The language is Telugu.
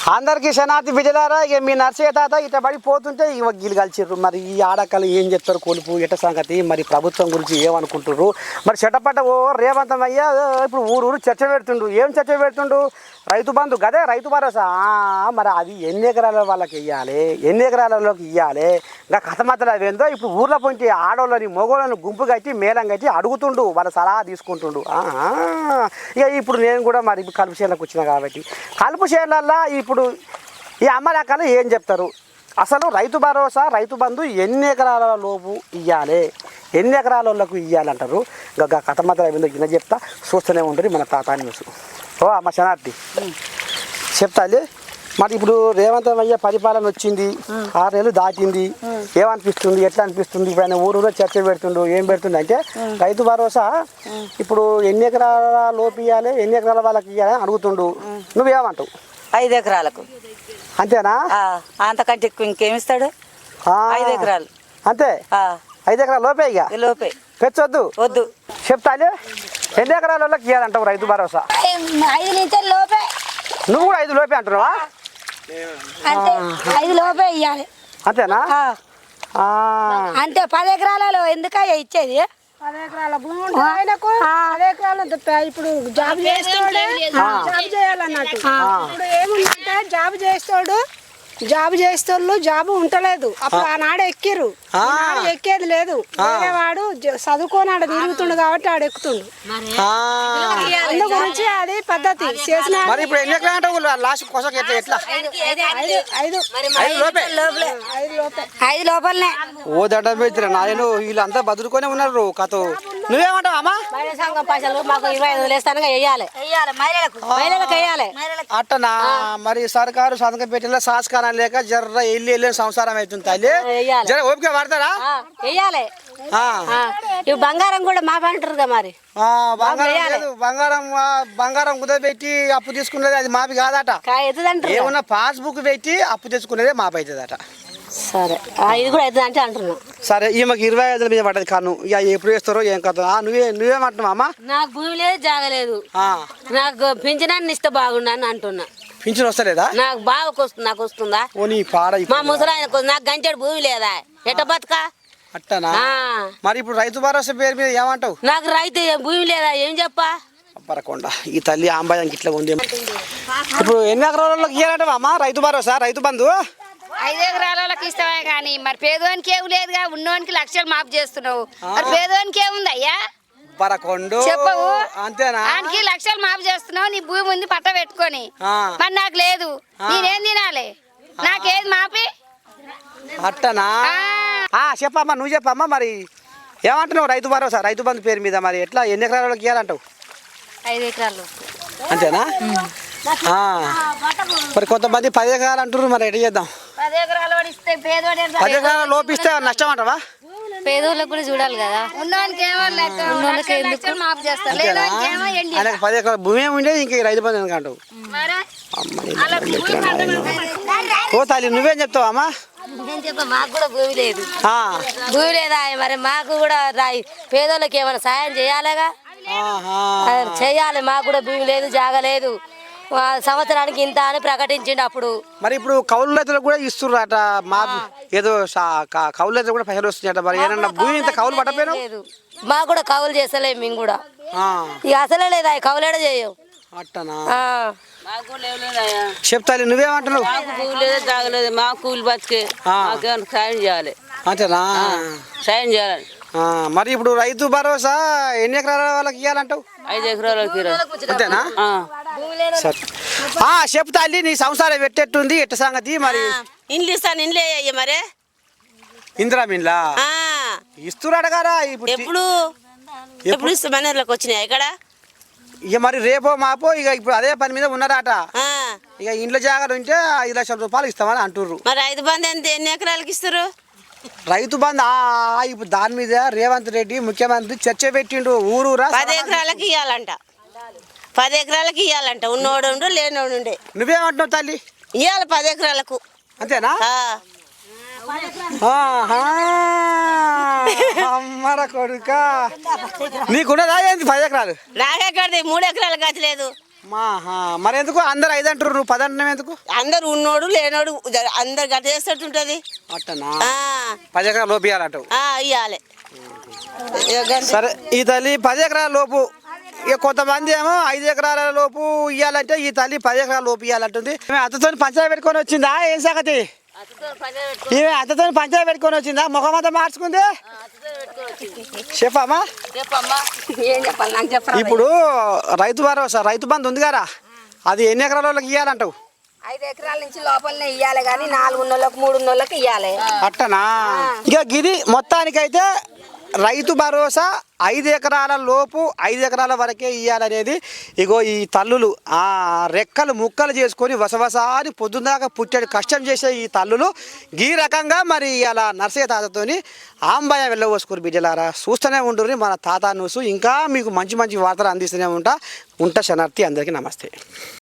అందరికీ శనార్థి బిడ్డలారా. ఇక మీ నర్సయ్య తాత ఇట పడిపోతుంటే ఇవ గీలు కలిసిర్రు. మరి ఈ ఆడకలు ఏం చెప్తారు కొలుపు ఎట సంగతి, మరి ప్రభుత్వం గురించి ఏమనుకుంటుర్రు, మరి చెట్టపట్ట ఓ రేవంతం అయ్యా ఇప్పుడు ఊరు చర్చ పెడుతుండు. ఏం చర్చ పెడుతుండు? రైతు బంధు గదే రైతు భరోసా. మరి అది ఎన్ని ఎకరాల వాళ్ళకి ఇవ్వాలి, ఎన్ని ఎకరాలలోకి ఇవ్వాలి, ఇంకా కథమతలు అవేందో ఇప్పుడు ఊర్లో పోయి ఆడవాళ్ళని మొగోళ్ళని గుంపు కట్టి మేళం కట్టి అడుగుతుండు, వాళ్ళ సలహా తీసుకుంటుండు. ఇక ఇప్పుడు నేను కూడా మరి కలుపు చేనులకు వచ్చినా కాబట్టి కలుపు చేనులల్లో ఇప్పుడు ఈ అమ్మలక్కలు ఏం చెప్తారు, అసలు రైతు భరోసా రైతు బంధు ఎన్ని ఎకరాల లోపు ఇవ్వాలి, ఎన్ని ఎకరాల వాళ్ళకు ఇవ్వాలంటారు. ఇంకా కథమతలు అవేందో గిన్నె చెప్తా, చూస్తూనే ఉంటుంది మన తాత న్యూస్. ఓ అమ్మ శనార్థి చెప్తాలి. మరి ఇప్పుడు రేవంత్ అయ్య పరిపాలన వచ్చింది, 6 నెలలు దాటింది, ఏమనిపిస్తుంది, ఎట్లా అనిపిస్తుంది? ఇప్పుడు ఆయన ఊరూరో చర్చ పెడుతుండు. ఏం పెడుతుంది అంటే రైతు భరోసా ఇప్పుడు ఎన్ని ఎకరాల లోపు ఇవ్వాలి, ఎన్ని ఎకరాల వాళ్ళకి ఇవ్వాలి అడుగుతుండు. నువ్వేమంటావు? 5 ఎకరాలకు. అంతేనా? అంతకంటే ఇంకేమిస్తాడు? 5 ఎకరాలు అంతే. 5 ఎకరాల లోపే, ఇక లోపే పెంచొద్దు. వద్దు చెప్తాలి. ఎన్ని ఎకరాల వాళ్ళకి ఇవ్వాలంటావు రైతు భరోసా? 5 నుంచి లోపే. నువ్వు కూడా 5 లోపే అంటున్నావా? అంటే 5 లోపే ఇవ్వాలి. అంతేనా? అంతే. 10 ఎకరాలలో ఎందుకయ్యా ఇచ్చేది? 10 ఎకరాల భూమి ఉంటే ఆయనకు 10 ఎకరాలు ఇప్పుడు జాబ్ చేస్తాడు, జాబ్ చేయాలన్నట్టు. ఇప్పుడు ఏముందంటే జాబ్ చేస్తోళ్ళు జాబు ఉంటలేదు. అప్పుడు ఆనాడు ఎక్కిర్రు, ఎక్కేది లేదు. వాడు చదువుకోనాడు తిరుగుతుండు కాబట్టి ఆడు ఎక్కుతుండు. అందు గురించి అది పద్ధతి చేసిన. 5 లోపలనే. ఓ దండం పెట్టిన నాయను, వీళ్ళంతా బతుకునే ఉన్నారు. కథ నువ్వేమంటావు అమ్మా? మాకు 25 వేస్తాను వేయాలి, మహిళలకు వేయాలి. అట్టనా? మరి సర్కారు సంతకం పెట్టిన సాస్కారం లేక జర్ర వెళ్ళి సంసారం అవుతుంది తల్లి. జర ఓపిక పడతారా? వేయాలి. ఇవి బంగారం కూడా మా పంటారుగా. మరి బంగారం కుదరబెట్టి అప్పు తీసుకునేది అది మాపి కాదట. ఏమన్నా పాస్బుక్ పెట్టి అప్పు తెచ్చుకునేదే మాపి అవుతుందట. సరే, ఇది కూడా అవుతుంది అంటే అంటున్నా. సరే, ఈమెకి 25 మీద పడ్డది కాను. ఇక ఎప్పుడు వేస్తారో ఏం కథ. నువ్వేమంటున్నావు అమ్మా? నాకు భూమి లేదు, జాగలేదు, నాకు పింఛనాన్ని ఇస్తే బాగుండని అంటున్నా. పింఛన్ వస్తలేదా? నాకు బాగా వస్తుంది. నాకు వస్తుందా? మా ముసలాయనకు నాకు గంటెడు భూమి లేదా, ఎట్ట బతుకా? అట్టనా? మరి ఇప్పుడు రైతు భరోసా పేరు మీద ఏమంటావు? నాకు రైతు భూమి లేదా, ఏం చెప్పా? పరకొండ ఈ తల్లి ఆంబాయానికి ఇట్లా ఉంది. ఇప్పుడు ఎన్ని ఎకరాలకి ఇవ్వాలంటావా అమ్మా రైతు భరోసా రైతు బంధు? 5 ఎకరాలకి ఇస్తామే కానీ మరి పేదవానికి ఏమి లేదుగా. ఉన్నవానికి లక్షలు మాపు చేస్తున్నావు, మరి పేదవానికి ఏముంది అయ్యా? పరకొండు చెప్పవు. అంతేనా? ఆయనకి లక్షలు మాపు చేస్తున్నావు, నీ భూమి ఉంది పట్ట పెట్టుకొని. మరి నాకు లేదు, నేనేం తినాలి? నాకేది మాపి? అట్టనా? చెప్పమ్మా, నువ్వు చెప్పమ్మా. మరి ఏమంటున్నావు రైతు భరోసా రైతు బంధు పేరు మీద? మరి ఎట్లా ఎన్ని ఎకరాలకి ఇవ్వాలంటావు? 5 ఎకరాలు. అంతేనా? మరి కొంతమంది 10 ఎకరాలు అంటున్నారు. మరి ఎట్లా చేద్దాం? 10 ఎకరాలు ఇస్తే పేదోడు 10 ఎకరాలు లోపిస్తే నష్టం అంటావా? పేదోళ్ళకి కూడా చూడాలి కదా. ఉన్నవానికి ఏమో లక్షలు మాపు చేస్తారు, లేదోనికి ఏమో ఎండి. ఆయనకు 10 ఎకరాలు భూమి ఉండేది, ఇంక రైతు బంధు ఎందుకంటావు? ఓ తల్లి నువ్వేం చెప్తావు అమ్మా? మాకు కూడా భూమి లేదు. భూమి లేదా? మరి మాకు కూడా పేదోళ్ళకి ఏమైనా సాయం చేయాలిగా, చేయాలి. మాకు కూడా భూమి లేదు, జాగలేదు. సంవత్సరానికి ఇంత అని ప్రకటించిండు అప్పుడు. మరి ఇప్పుడు కౌలు రైతులకు కూడా ఇస్తున్నారట. మా ఏదో కౌలు రైతులు కూడా పైసలు వస్తున్నాయట. మరి ఏమన్నా భూమి ఇంత కౌలు పట్టపోయినా? మాకు కూడా కౌలు చేస్తలేము మేము కూడా. ఇక అసలే లేదా కౌలేడ చేయం. అట్టనా? చెప్తాలి. నువ్వేమంటున్నావు? భూమి లేదా, జాగలేదు, మాకు కూలి బతికే, సాయం చేయాలి. అంతేనా? సాయం చేయాలి. మరి ఇప్పుడు రైతు భరోసా ఎన్ని ఎకరాల వాళ్ళకి ఇవ్వాలంటావు? 5 ఎకరాలకి. అంతేనా? చెప్తాలి. నీ సంసారం పెట్టేట్టుంది, ఎట్ట సంగతి? మరి ఇండ్లు ఇస్తాను, ఇండ్లే మరి ఇందిరా మిన్లా ఇస్తున్నాడు కదా. ఎప్పుడు ఇస్తా మనర్లకు వచ్చినాయి ఇక్కడ. ఇక మరి రేపో మాపో ఇక ఇప్పుడు అదే పని మీద ఉన్నారట. ఇక ఇంట్లో జాగ్రత్త ఉంటే 5 లక్షల రూపాయలు ఇస్తామని అంటుర్రు. మరి రైతు బంధు ఎంత, ఎన్ని ఎకరాలకి ఇస్తారు? రైతు బంధు ఇప్పుడు దాని మీద రేవంత్ రెడ్డి ముఖ్యమంత్రి చర్చ పెట్టిండు. ఊరూరా 10 ఎకరాలకి ఇవ్వాలంట. 10 ఎకరాలకి ఇవ్వాలంట. ఉన్నోడు ఉండు, లేనోడు ఉండే. నువ్వేమంటున్నావు తల్లి? ఇవ్వాలి 10 ఎకరాలకు. అంతేనా? అమ్మర కొడుక నీకున్నదా ఏంది 10 ఎకరాలు? నాకెక్కడిది 3 ఎకరాలు గతి లేదు. మరి ఎందుకు అందరు 5 అంటారు, నువ్వు 10 అంటున్నావు ఎందుకు? అందరు ఉన్నోడు లేనోడు అందరు గట్ట చేసేటట్టుంటది. అట్టనా 10 ఎకరాల లోపు ఇవ్వాలంటావు? ఇవ్వాలి. సరే ఈ తల్లి 10 ఎకరాల లోపు, ఇక కొంతమంది ఏమో 5 ఎకరాల లోపు ఇవ్వాలంటే ఈ తల్లి 10 ఎకరాల లోపు ఇవ్వాలంటుంది. అత్తతో పంచాయతీ పెట్టుకొని వచ్చిందా ఏం సంగతి? ఈమె అత్తతో పంచాయతీ పెట్టుకొని వచ్చిందా? ముఖమంతా మార్చుకుంది. చెప్పమ్మా. ఇప్పుడు రైతు భరోసా రైతు బంధు ఉంది కదా, అది ఎన్ని ఎకరాల వాళ్ళకి ఇవ్వాలంటావు? 5 ఎకరాల నుంచి లోపలనే ఇవ్వాలి కానీ 4 ఉన్నోళ్ళకి 3 ఉన్నోళ్ళకి ఇవ్వాలి. అట్టనా? ఇక గిది మొత్తానికైతే రైతు భరోసా 5 ఎకరాల లోపు 5 ఎకరాల వరకే ఇవ్వాలనేది. ఇగో ఈ తల్లులు రెక్కలు ముక్కలు చేసుకొని వసవసారి పొద్దున్నాక పుట్టడి కష్టం చేసే ఈ తల్లులు ఈ రకంగా మరి అలా నర్సయ్య తాతతోని ఆంబాయ వెళ్ళవోసుకోరు బిడ్డలారా. చూస్తూనే ఉంటుంది మన తాత న్యూస్. ఇంకా మీకు మంచి మంచి వార్తలు అందిస్తూనే ఉంటా శనార్థి. అందరికీ నమస్తే.